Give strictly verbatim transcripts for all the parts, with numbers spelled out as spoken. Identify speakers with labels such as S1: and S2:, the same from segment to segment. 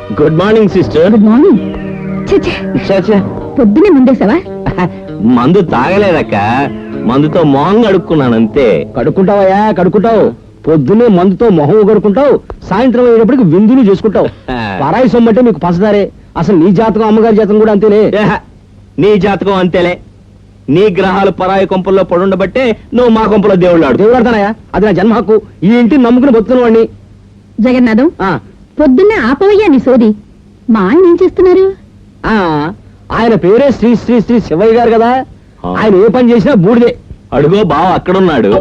S1: Good morning sister.
S2: Good morning. పొద్దునే ముందేసావా?
S1: మందు తాగలేదక్క, మందుతో మొహం కడుక్కున్నాను అంతే.
S3: కడుక్కుంటావయ్యా, కడుక్కుంటావు. పొద్దున్నే మందుతో మొహం కడుక్కుంటావు, సాయంత్రం అయ్యేటప్పటికి విందులు చేసుకుంటావు. పరాయి సొమ్మంటే నీకు పసదారే. అసలు నీ జాతకం అమ్మగారి జాతకం కూడా అంతేనే.
S1: నీ జాతకం అంతేలే. నీ గ్రహాలు పరాయి కొంపల్లో పడుండబట్టే నువ్వు మా కొంపలో దేవుళ్ళు ఆడు.
S3: దేవుడు ఆడతానయ్యా, అది నా జన్మ హక్కు. ఈ ఇంటిని నమ్ముకుని బతుకున్న వాడిని.
S2: జగన్నాథం, పొద్దున్నే ఆపవయ్యా నీ సోది. మా ఆయన ఏం చేస్తున్నారు?
S3: ఆ ఆయన పేరే శ్రీ శ్రీ శ్రీ శివయ్య గారు కదా. ఆయన ఏ పని చేసినా బూడిదే.
S1: అడుగో బావ అక్కడున్నాడు.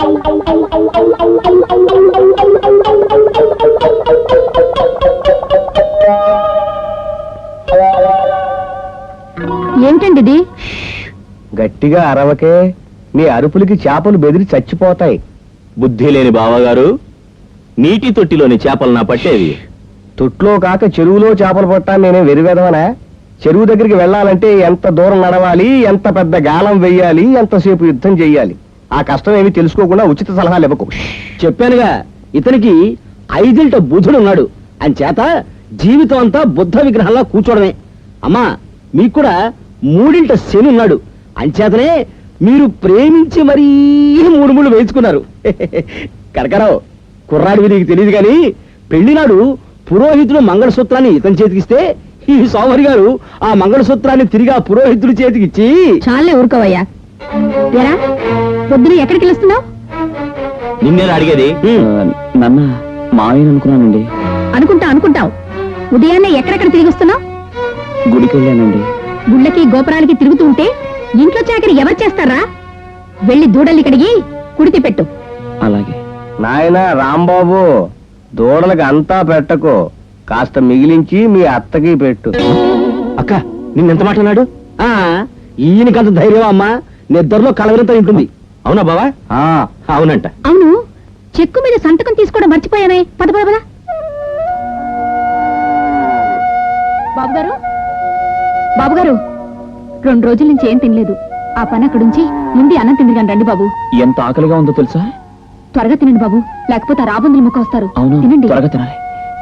S2: ఏమిటండి ఇది?
S3: గట్టిగా అరవకే, నీ అరుపులకి చేపలు బెదిరి చచ్చిపోతాయి.
S1: బుద్ధి లేని బావగారు, నీటి తొట్టిలోని చేపలు నా పట్టేవి.
S3: తొట్లో కాక చెరువులో చేపలు పట్టాను నేనే వెరివేదవనా? చెరువు దగ్గరికి వెళ్ళాలంటే ఎంత దూరం నడవాలి, ఎంత పెద్ద గాలం వెయ్యాలి, ఎంతసేపు యుద్ధం చెయ్యాలి. ఆ కష్టం ఏమి తెలుసుకోకుండా ఉచిత సలహాలు ఇవ్వకు. చెప్పానుగా, ఇతనికి ఐదింట బుధుడు ఉన్నాడు. అంచేత జీవితం అంతా బుద్ధ విగ్రహంలా కూర్చోవడమే. అమ్మా, మీకు కూడా మూడింట శని ఉన్నాడు. అంచేతనే మీరు ప్రేమించి మరీ మూడు మూడు వేయించుకున్నారు. కనకరావు, కుర్రాడివి నీకు తెలియదు కానీ పెళ్లినాడు పురోహితుడు మంగళసూత్రాన్ని ఇతని చేతికిస్తే ఈ సోమరి గారు ఆ మంగళసూత్రాన్ని తిరిగి ఆ పురోహితుడి చేతికిచ్చి...
S2: చాలే ఊరుకోవయ్యా. ఎరా, పొద్దున ఎక్కడికి వెళ్తున్నావు?
S1: నిన్నే అడిగేది.
S3: నన్న మాయని అనుకున్నానండి.
S2: అనుకుంటా అనుకుంటావు. ఉదయాన్నే ఎక్కడెక్కడ తిరిగి వస్తున్నావు?
S3: గుడికి వెళ్ళానండి.
S2: గుళ్ళకి గోపురాలకి తిరుగుతూ ఉంటే ఇంట్లో చాకరి ఎవరు చేస్తారా? వెళ్ళి దూడల్ని కడిగి కుడితి పెట్టు.
S3: అలాగే. నాయన రాంబాబు, దూడలకు అంతా పెట్టకు, కాస్త మిగిలించి మీ అత్తకి పెట్టు.
S1: అక్క, నిన్నెంత మాట అన్నాడు?
S3: ఈయనకంత ధైర్యం అమ్మా, నిద్రలో కలవరంతో ఉంటుంది.
S1: అవునా బావా? అవునంట.
S2: అవును, చెక్కు మీద సంతకం తీసుకోవడం మర్చిపోయానే. పద పద పద. బాబుగారు, బాబుగారు, రెండు రోజుల నుంచి ఏం తినలేదు. ఆ పని అక్కడుంచి ముందు అన్నం తిందిగాని రండి బాబు.
S3: ఎంత ఆకలిగా ఉందో తెలుసా?
S2: త్వరగా తినండి బాబు, లేకపోతే ఆ రాబందులు ముక్క వస్తారు. తినండి.
S3: త్వరగా తినాలి.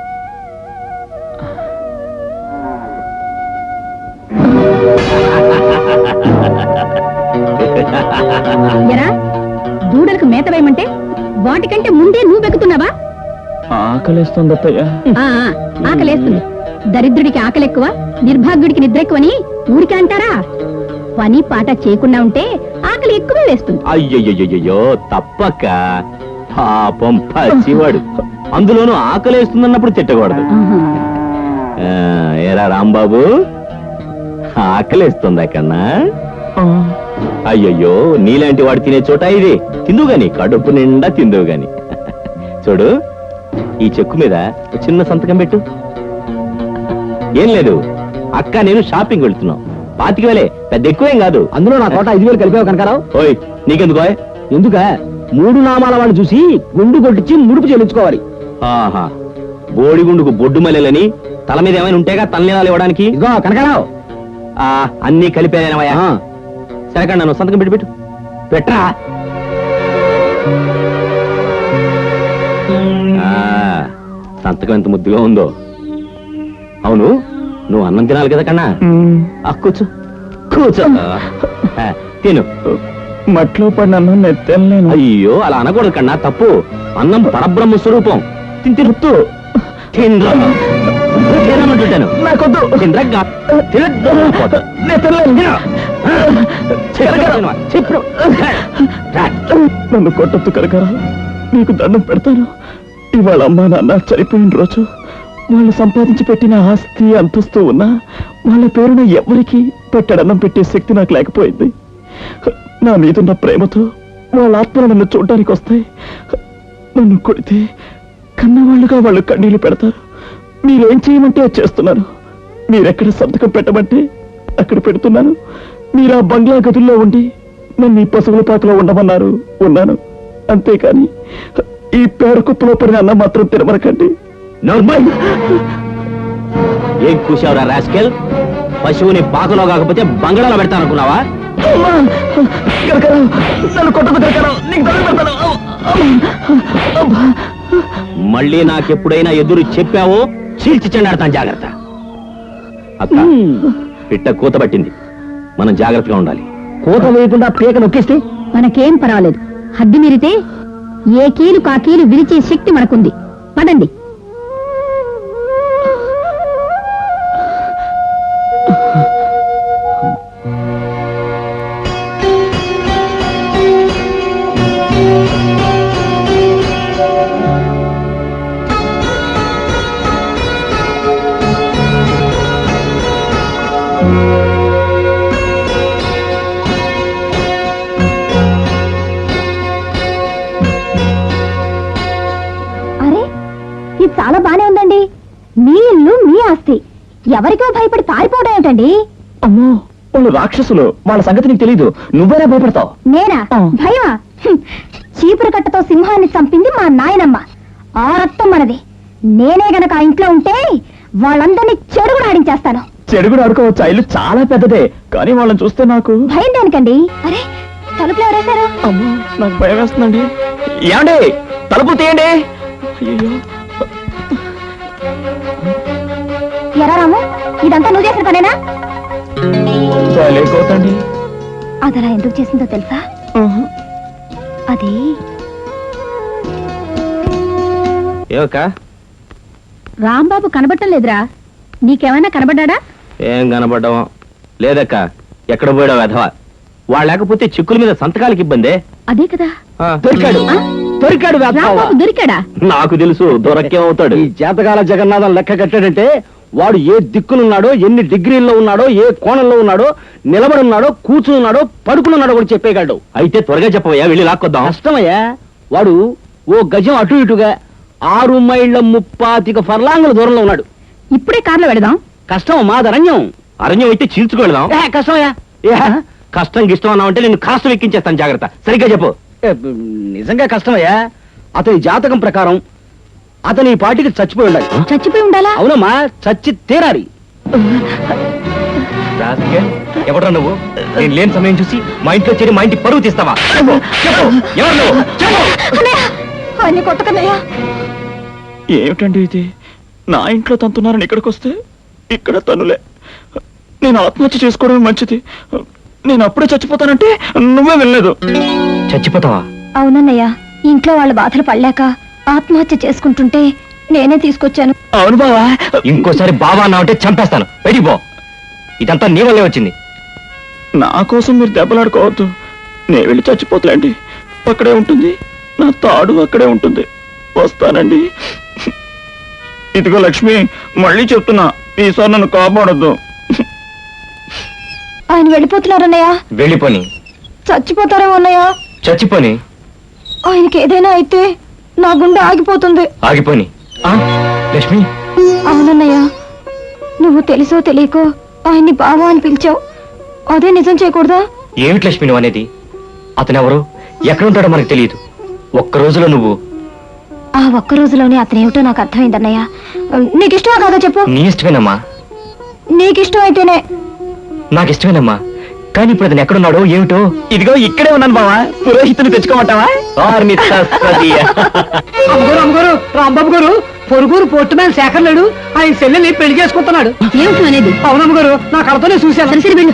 S2: ఎరా, దూడలకు మేత వేయమంటే వాటికంటే ముందే నువ్వు బెక్కుతున్నావా?
S3: ఆకలేస్తుంది అత్తయ్య.
S2: ఆకలేస్తుంది. దరిద్రుడికి ఆకలి ఎక్కువ, నిర్భాగ్యుడికి నిద్ర ఎక్కువని ఊరికే అంటారా? పని పాట చేయకుండా ఉంటే ఆకలి ఎక్కువే వేస్తుంది.
S1: అయ్యయ్యో, తప్పక్క. పాపం పసివాడు, అందులోనూ ఆకలేస్తుందన్నప్పుడు తిట్టకూడదు. ఏరా రాంబాబు, ఆకలేస్తుందా కన్నా? అయ్యయ్యో, నీలాంటి వాడు తినే చోట ఇది. తిందువు గాని, కడుపు నిండా తిందువు గాని. చూడు, ఈ చెక్కు మీద చిన్న సంతకం పెట్టు. ఏం లేదు అక్క, నేను షాపింగ్ వెళ్తున్నావు. పాతికి వేలే, పెద్ద ఎక్కువేం కాదు.
S3: అందులో నా తోట ఐదు వేలు కలిపావు కనకారావు.
S1: ఓయ్, నీకెందుకో?
S3: ఎందుక? మూడు నామాల వాడిని చూసి గుండు కొట్టించి ముడుపు చెల్లించుకోవాలి.
S1: ఆహా, బోడిగుండుకు బొడ్డు మల్లెలని తల మీద ఏమైనా ఉంటేగా తలనీలాలు ఇవ్వడానికి.
S3: ఇదిగో కనకారావు,
S1: ఆ అన్ని కలిపేనవయ్యా. సరే కండి, నన్ను సంతకం పెట్టి పెట్టు. పెట్టరా. సంతకం ఎంత ముద్దుగా ఉందో. అవును, నువ్వు అన్నం తినాలి కదా కన్నా. కూర్చో కూర్చో, తిను.
S3: మట్లో పడిన అన్నం నెత్తలేను.
S1: అయ్యో, అలా అనకూడదు కన్నా, తప్పు. అన్నం పరబ్రహ్మ స్వరూపం. తింటి రుత్తు తినమంటుంటాను. నాకొద్దు.
S3: నన్ను కొట్టొద్దు కనకారా, నీకు దండం పెడతాను. ఇవాళ అమ్మా నాన్న చనిపోయిన రోజు వాళ్ళు సంపాదించి పెట్టిన ఆస్తి అంతస్తూ ఉన్నా వాళ్ళ పేరున ఎవరికి పెట్టడన్నం పెట్టే శక్తి నాకు లేకపోయింది. నా మీదున్న ప్రేమతో వాళ్ళ ఆత్మలు నన్ను చూడడానికి వస్తాయి. నన్ను కొడితే కన్నవాళ్ళుగా వాళ్ళు కన్నీళ్లు పెడతారు. మీరేం చేయమంటే అది చేస్తున్నాను. మీరెక్కడ సంతకం పెట్టమంటే అక్కడ పెడుతున్నాను. మీరు ఆ బంగ్లా గదుల్లో ఉండి నన్ను ఈ పశువుల పాకలో ఉండమన్నారు, ఉన్నాను. అంతేకాని ఈ పేడ కుప్పలో పడిన అన్న మాత్రం తినమనకండి.
S1: ఏం కూసావురా రాస్కెల్? పశువుని పాకలో కాకపోతే బంగాళాలో పెడతాననుకున్నావా? మళ్ళీ నాకెప్పుడైనా ఎదురు చెప్పావో చీల్చి చెండాడతాను జాగ్రత్త. అక్క పిట్ట కూత పట్టింది, మనం జాగ్రత్తగా ఉండాలి.
S3: కూత వేయకుండా పీక నొక్కేస్తే
S2: మనకేం పర్వాలేదు. హద్దు మీరితే ఏ కీలు కా కీలు విరిచే శక్తి మనకుంది. పదండి. అరే, ఇది చాలా బానే ఉందండి. మీ ఇల్లు, మీ ఆస్తి, ఎవరికో భయపడి పారిపోవడం ఏంటండి?
S3: అమ్మో, వాళ్ళు రాక్షసులు, వాళ్ళ సంగతి నీకు తెలీదు. నువ్వేనా భయపడతావు?
S2: నేనా?
S3: ఆ.
S2: భయమా? హ్మ్. చీపురు కట్టతో సింహాన్ని చంపింది మా నాయనమ్మ. ఆ రక్తం మనది. నేనే గనక ఆ ఇంట్లో ఉంటే వాళ్ళందరినీ చెడుగుడు ఆడించేస్తాను.
S3: చెడుగుడు ఆడుకోవచ్చు, ఆ ఇల్లు చాలా పెద్దదే, కానీ వాళ్ళని చూస్తే నాకు
S2: భయం దేనికండి? అరే, తలుపులు ఎవరేశారు?
S3: అమ్మో, నాకు భయం వేస్తుందండి. ఏమండి, తలుపు తీయండి. అయ్యో,
S2: ఎరా రాము, ఇదంతా నువ్వు చేసిన పనేనా?
S3: లేకోతండి.
S2: అదలా ఎందుకు చేసిందో తెలుసా? అది
S1: ఏవక్క,
S2: రాంబాబు కనబడటం లేదురా. నీకేమైనా కనబడ్డా?
S1: ఏం కనపడ్డావా? లేదక్క, ఎక్కడ పోయాడో వెధవా. వాళ్ళు లేకపోతే చిక్కుల మీద సంతకాలకి ఇబ్బందే.
S2: అదే కదా.
S1: ఆ,
S3: దొరికాడు
S2: ఆ?
S3: దొరికాడు వేస్తావా?
S2: రాంబాబు దొరికాడా?
S1: నాకు తెలుసు, దొరకేమవుతాడు.
S3: ఈ జాతకాల జగన్నాథం లెక్క కట్టాడంటే వాడు ఏ దిక్కునున్నాడో, ఎన్ని డిగ్రీల్లో ఉన్నాడో, ఏ కోణంలో ఉన్నాడో, నిలబడి ఉన్నాడో, కూర్చున్నాడో, పడుకున్నాడో కూడా చెప్పేయగలడు.
S1: అయితే త్వరగా చెప్పవయ్యా, వెళ్ళి లాక్కొద్దాం.
S3: కష్టమయ్యా, వాడు ఓ గజం అటు ఇటుగా ఆరు మైళ్ళ ముప్పాతిక ఫర్లాంగుల దూరంలో ఉన్నాడు.
S2: ఇప్పుడే కార్లో వెళదాం.
S3: కష్టం మాదరణ్యం.
S1: అరణ్యం అయితే చీల్చుకెళ్దాం.
S3: ఏ, కష్టమయ్యా. ఏ,
S1: కష్టం గిష్టం అన్నావు అంటే నేను కాస్త ఎక్కించేస్తాను, జాగ్రత్త. సరిగ్గా చెప్పు.
S3: ఏ, నిజంగా కష్టమయ్యా. అతని జాతకం ప్రకారం అతని ఈ పాటికి చచ్చిపోయి ఉండాలి.
S2: చచ్చిపోయి ఉండాలా?
S3: అవునమ్మా, చచ్చి తీరాలి.
S1: ఎవడ్రా నువ్వు? నేను లేని సమయం చూసి మా ఇంట్లో చేరి మా ఇంటి పరువు తీస్తావా? చెప్పు, చెప్పు, ఎవరు నువ్వు? చెప్పు.
S2: అన్ని కొట్టకన్నయ్యా.
S4: ఏమిటండి ఇది? నా ఇంట్లో తంతున్నారని ఇక్కడికి వస్తే ఇక్కడ తనులే. నేను ఆత్మహత్య చేసుకోవడం మంచిది. నేను అప్పుడే చచ్చిపోతానంటే నువ్వే వెళ్ళలేదు.
S1: చచ్చిపోతావా?
S2: అవునన్నయ్య, ఇంట్లో వాళ్ళ బాధలు పడలేక ఆత్మహత్య చేసుకుంటుంటే నేనే తీసుకొచ్చాను.
S4: అవును బావా.
S1: ఇంకోసారి బావా అన్నావు అంటే చంపేస్తాను. బయటికి పో. ఇదంతా నీ వల్లే వచ్చింది.
S4: నా కోసం మీరు దెబ్బలాడుకోవద్దు. నేను వెళ్ళి చచ్చిపోతులేండి. అక్కడే ఉంటుంది, నా తాడు అక్కడే ఉంటుంది. వస్తానండి. ఇదిగో లక్ష్మి, మళ్ళీ చెప్తున్నా, ఈసారి నన్ను కాపాడొద్దు.
S2: ఆయన వెళ్ళిపోతున్నారన్నయ్య.
S1: వెళ్ళిపోని.
S2: చచ్చిపోతారేమో అన్నయ్య.
S1: చచ్చిపోని.
S2: ఆయనకి ఏదైనా అయితే నా గుండె ఆగిపోతుంది.
S1: ఆగిపోని. ఆ, లక్ష్మి,
S2: అవునన్నయ్య, నువ్వు తెలుసో తెలియకో ఆయన్ని బావా అని పిలిచావు. అదే నిజం చేయకూడదా?
S1: ఏమిటి లక్ష్మి నువ్వు అనేది? అతనెవరు, ఎక్కడుంటాడో మనకు తెలియదు. ఒక్క రోజులో నువ్వు
S2: ఆ ఒక్క రోజులోనే అతనేమిటో నాకు అర్థమైందన్నయ్య. నీకు ఇష్టమా కాదా చెప్పు?
S1: నీ ఇష్టమేనమ్మా.
S2: నీకు ఇష్టం అయితేనే.
S1: నాకు ఇష్టమేనమ్మా, కానీ ఇప్పుడు అతను ఎక్కడున్నాడో ఏమిటో.
S4: ఇదిగో ఇక్కడే ఉన్నాను బావా. పురోహితుని తెచ్చుకోమంటావా?
S5: అమ్మగారు అమ్మగారు రాంబాబు గారు పొరుగురు పోర్టు మ్యాన్ శేఖర్ లేడు, ఆయన చెల్లెల్ని పెళ్లి చేసుకుంటున్నాడు.
S2: ఏమిటి అనేది?
S5: అవునమ్మగారు, నా కళతోనే చూశాను.
S2: సరే సరే వెళ్ళు.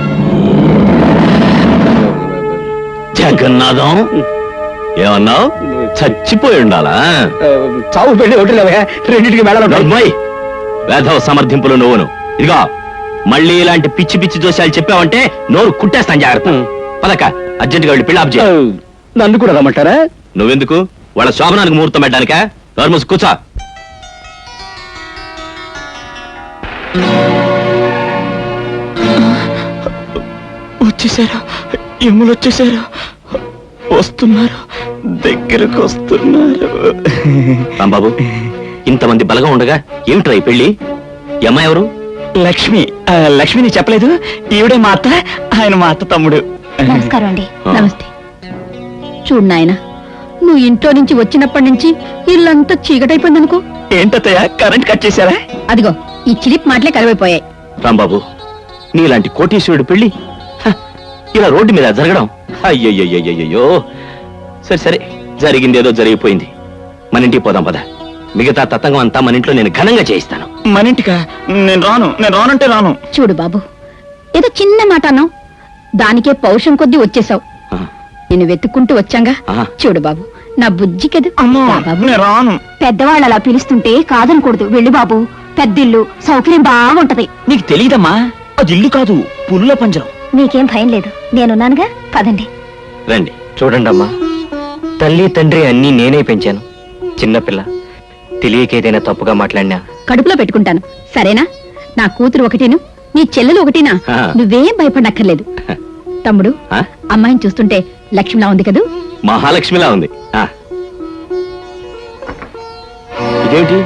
S1: జగన్నాథం, ఏమన్నావు? చచ్చిపోయి ఉండాలా?
S3: చావు పెళ్లి ఒకటి లేవా? రెండింటికి మేళ
S1: అమ్మాయి, వేధవ సమర్థింపులు నువ్వును. ఇదిగో, మళ్ళీ ఇలాంటి పిచ్చి పిచ్చి దోషాలు చెప్పావంటే నోరు కుట్టేస్తాను, జాగ్రత్త. పదక, అర్జెంటుగా వెళ్ళి పిల్ల ఆప్ చేయి.
S3: నన్ను కూడా రమ్మంటారా?
S1: నువ్వెందుకు? వాళ్ళ శోభనానికి ముహూర్తం పెట్టడానికా? నోర్మూసి కూర్చో.
S4: వచ్చేసారా? ఎమ్ములు వచ్చేసారా? వస్తున్నారు, దగ్గరకు వస్తున్నారు.
S1: రాంబాబు, ఇంతమంది బలగా ఉండగా ఏమిట్రా ఈ పెళ్లి? ఈ అమ్మాయి ఎవరు?
S4: లక్ష్మి. ఆ, లక్ష్మి నీకు చెప్పలేదు? ఈవిడే మా అత్త, ఆయన మా అత్త తమ్ముడు.
S2: నమస్కారం అండి.
S1: ఆ.
S2: నమస్తే. చూడు నాయన, నువ్వు ఇంట్లో నుంచి వచ్చినప్పటి నుంచి ఇల్లంతా చీకటైపోయింది అనుకో.
S4: ఏంటత్తయ్య, కరెంట్ కట్ చేశారా?
S2: అదిగో ఈ చిలిప్ మాటలే కరువైపోయాయి.
S1: రాంబాబు, నీలాంటి కోటీశ్వరుడు పెళ్లి హ, ఇలా రోడ్డు మీద జరగడం, అయ్యయ్యయ్యయ్యో. సరే సరే, జరిగిందేదో జరిగిపోయింది. మన ఇంటికి పోదాం పద. మిగతా తతంగం అంతా మన ఇంట్లో నేను ఘనంగా చేయిస్తాను.
S4: మన ఇంటికా? నేను రాను, నేను రానంటే రాను.
S2: చూడు బాబు, ఏదో చిన్న మాట అన్నావు, దానికే పౌరుషం కొద్దీ వచ్చేసావు.
S1: ఆ,
S2: నేను వెతుక్కుంటూ వచ్చాంగా.
S1: ఆ.
S2: చూడు బాబు, నా బుజ్జి కదా.
S4: అమ్మో,
S2: రా బాబు.
S4: నేను రాను.
S2: పెద్దవాళ్ళు అలా పిలుస్తుంటే కాదనకూడదు. వెళ్ళి బాబు, పెద్దిల్లు, సౌకర్యం బాగుంటది.
S4: నీకు తెలియదమ్మా, అది ఇల్లు కాదు, పుల్ల పంజరం.
S2: మీకేం భయం లేదు, నేనున్నానుగా. పదండి.
S1: రండి.
S6: చూడండి అమ్మా, తల్లి తండ్రి అన్నీ నేనే పెంచాను. చిన్నపిల్ల తెలియక ఏదైనా తప్పుగా మాట్లాడినా
S2: కడుపులో పెట్టుకుంటాను, సరేనా? నా కూతురు ఒకటేను, నీ చెల్లెలు ఒకటేనా?
S1: ఆ.
S2: నువ్వేం భయపడక్కర్లేదు. తమ్ముడు,
S1: ఆ?
S2: అమ్మాయిని చూస్తుంటే లక్ష్మిలా ఉంది కదూ?
S1: మహాలక్ష్మిలా ఉంది. ఆ. ఇదేమిటి?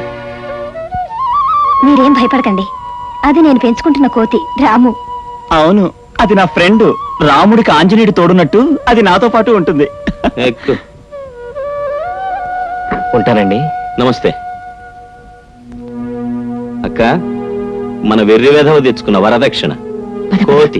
S2: మీరేం భయపడకండి, అది నేను పెంచుకుంటున్న కోతి రాము.
S4: అవును, అది నా ఫ్రెండ్. రాముడికి ఆంజనేయుడు తోడున్నట్టు అది నాతో పాటు ఉంటుంది.
S1: ఎక్కు.
S6: ఉంటానండి.
S1: నమస్తే అక్క. మన వెర్రి వేధవ తెచ్చుకున్న వరదక్షిణ కోతి.